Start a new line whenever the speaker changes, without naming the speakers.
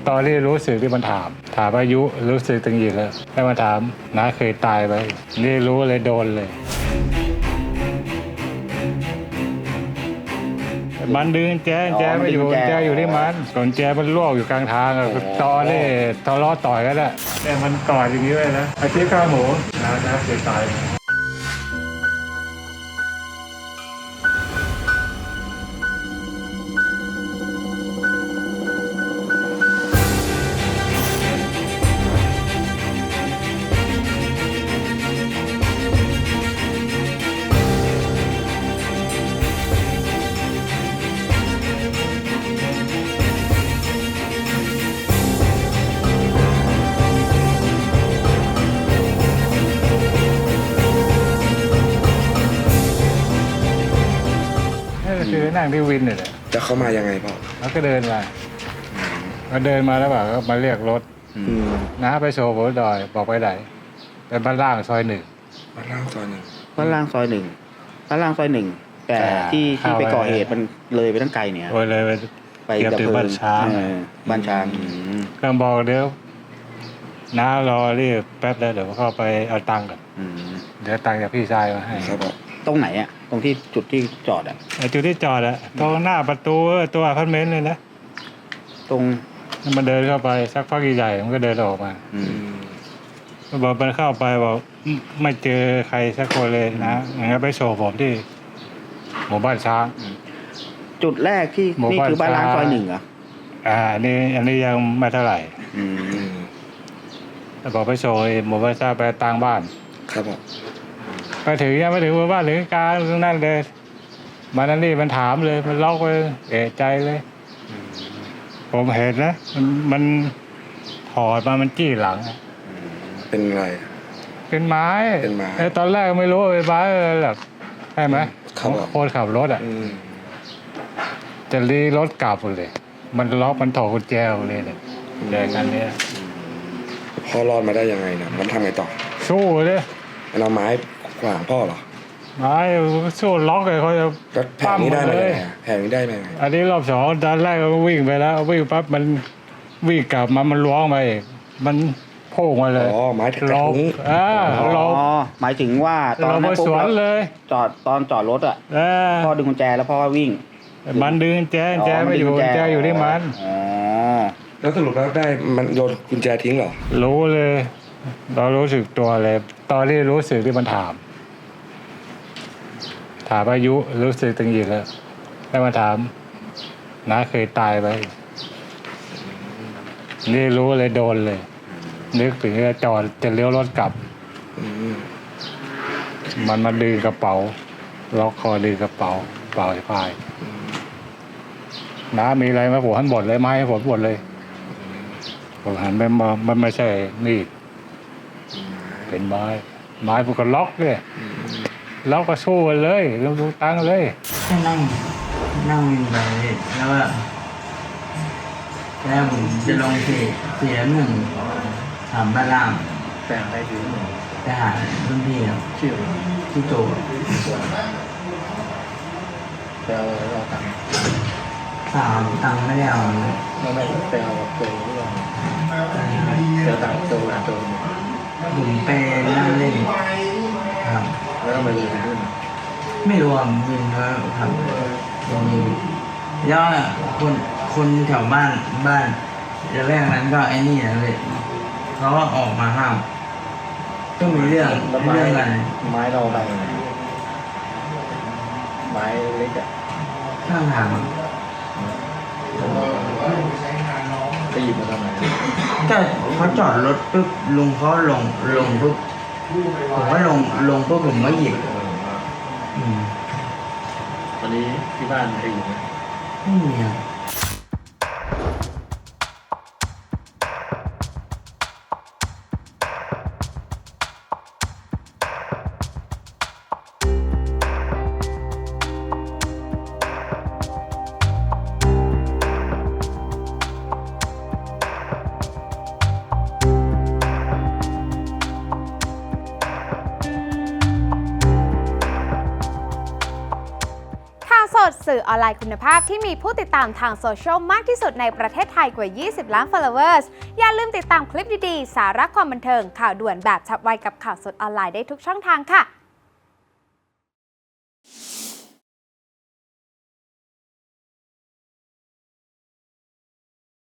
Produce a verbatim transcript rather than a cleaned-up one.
ตอนที่รู้สึกที่มันถามถามอายุรู้สึกตึงอีกแล้วแล้วมาถามน้าเคยตายไปนี่รู้เลยโดนเลยมันดึงแจแจไม่อยู่แจอยู่ที่มันส่วนแจมันลวกอยู่กลางทางอะตอนนี่ทะเลาะต่อยกันแหละเนี่ยมันกอดอย่างนี้เลยนะอาชีพข้าวหมูน้าน้าเคยตายคือนั่งที่วินเนี่ย
จะเข้ามายังไงพ่อ
แล้วก็เดินมาก็เดินมาแล้วแบบก็มาเรียกรถน้าไปโชว์บนดอยบอกไปไหนเป็นบ้านล่างซอยหนึ่ง
บ้านล่างซอยหนึ่ง
บ้านล่างซอยหนึ่งบ้านล่างซอยหนึ่งแต่ที่ที่ไปก่อเหตุมันเลยไปตั้งไกลเนี่ย
โอ้ยเลยไป
ไป
เก็บ
ดับ
ถึง
เพลิ
บ้าน
ง
ช้าง
เออบ้านช้างอืม
ก็บอกเดี๋ยวน้ารอรีบแป๊บแล้วเดี๋ยวเข้าไปเอาตังค์ก่อน
อืม
เดี๋ยวตังค์จากพี่ชายมาให้
ครับผม
ตรงไหนอ่ะตรงที่จุดที่จอดอ่ะ
ไอ้จุดที่จอดอะตรงหน้าประตูตัวอพาร์ตเมนต์เลยนะ
ตรง
มันเดินเข้าไปสักพักใหญ่ๆมันก็เดินออกมา
อืม
บอกมันเข้าไปบอกไม่เจอใครสักคนเลยนะอย่างนั้นไปโชว์ผมที่หมู่บ้านช้าง
จุดแรกที่
หมู่
นี่
บ้าน
คือบ้านล้าง
ช้าง
ซอยหนึ่งเหรอ
อ่าอันนี้อันนี้ยังไม่เท่าไหร่
อืม
อืม
แต่บอกไปโชว์หมู่บ้านช้างไปต่างบ้าน
ครับผม
ไปถึงยังไม่ถึงหมู่บ้านถึงกลางตรงนั้นเลยมันนั่นนี่มันถามเลยมันล็อกไปเอะใจเลย ผมเห็นนะมันมันถอดมามันจี้หลัง
เป็นอะไร
เป็นไม้
เป็นไม้
ไอ้ตอนแรกไม่รู้ว่าเป็นไม้อะไรหรอกใช่ไหม
ครับผม
คนขับรถอ่ะ
อืม
จะรีรถกลับเลย มันล็อกมันถอดกุญแจเลยเนี่ยแจกันเนี้ย
พ่อรอดมาได้ยังไงเนี่ยมันทำไงต่อ
สู้เลย
มันเอาไม้ขวางพ่อเหรอ
ไม้สู้ล็อกเลยเขาจะ
แล้วแผงนี้ได้มา
เล
ยัง
ย
ไงอะแผงนี้ได้มายังไง
อันนี้รอบสองตอนแรกก็วิ่งไปแล้ววิ่งปั๊บมันวิ่งกลับมามันล้วงมาอีกมันโผล่มาเลย
อ๋อไม้กระ
ล็อก
ทุ้ง
อ่า
อ๋อ
ล็อก
หมายถึงว่าตอน
เรา
นั้
มาน
ปุ๊
ส
บ
วน
แล้ว
เลย
จอดตอนจอดรถอ่ะ
เออ
พ่อดึงกุญแจแล้วพ่อก็วิ่ง
มันดึงแจแจไม่อยู่แจอยู่ที่มัน
อ๋อ
แล้วสรุปแล้วได้มันโยนกุญแจทิ้งเหรอ
รู้เลย เรารู้สึกตัวเลยตอนที่รู้สึกที่มันถาม ถามอายุรู้สึกตึงอีกแล้วแล้วมาถามน้าเคยตายไปนี่รู้เลยโดนเลยนึกถึงจะจอดจะเลี้ยวรถกลับ
อืม
มันมาดึงกระเป๋าล็อกคอดึงกระเป๋าเป๋าสะพายน้ามีอะไรมาผมหันหมดเลยไม้ให้ผมหมดเลยผมหันไปมองมันไม่ใช่มีดเป็นไม้ไม้ผมก็ล็อกเลยล็อกก็สู้กันเลยลงดูตังค์เลย
แค่นั่งนั่งวินไปแล้วก็แล้วผมจะลงเสียเสียหนึ่งถามบ้านล่างแต่ไปถึงไปหารุ่นพี่ครับชื่อชื่อโจไปเอาเอาตังค์สามตังค์ไม่ได้เอาเลยไม่ไม่ไปเอาโจหรือเปล่าเจอตังค์โจหาโจผมไปนั่งเล่นครับแล้วก็มาเรียนขึ้นไม่รู้อ่ะวินว่าทำตรงนี้แล้วคนคนแถวบ้านบ้านแรกนั้นก็ไอ้นี่นะเลยเขาก็ออกมาห้ามก็มีเรื่องเรื่องอะไร
ไม้เราไปไหนไม้เล็กอะ
ข้างทาง
ไปหยิบมาทำไม
ก็เขาจอดรถปุ๊บลุงเขาลงลงปุ๊บผมก็ลงลงปุ๊บผมก็หยิบอืม
ตอนนี้ที่บ้านใครอยู่ไหม
ไม่มีครับ
ข่าวสดสืสื่อออนไลน์คุณภาพที่มีผู้ติดตามทางโซเชียลมากที่สุดในประเทศไทยกว่า ยี่สิบ ล้าน followers อย่าลืมติดตามคลิปดีๆ สาระความบันเทิงข่าวด่วนแบบฉับไวกับข่าวสดออนไลน์ได้ทุกช่องทางค่ะ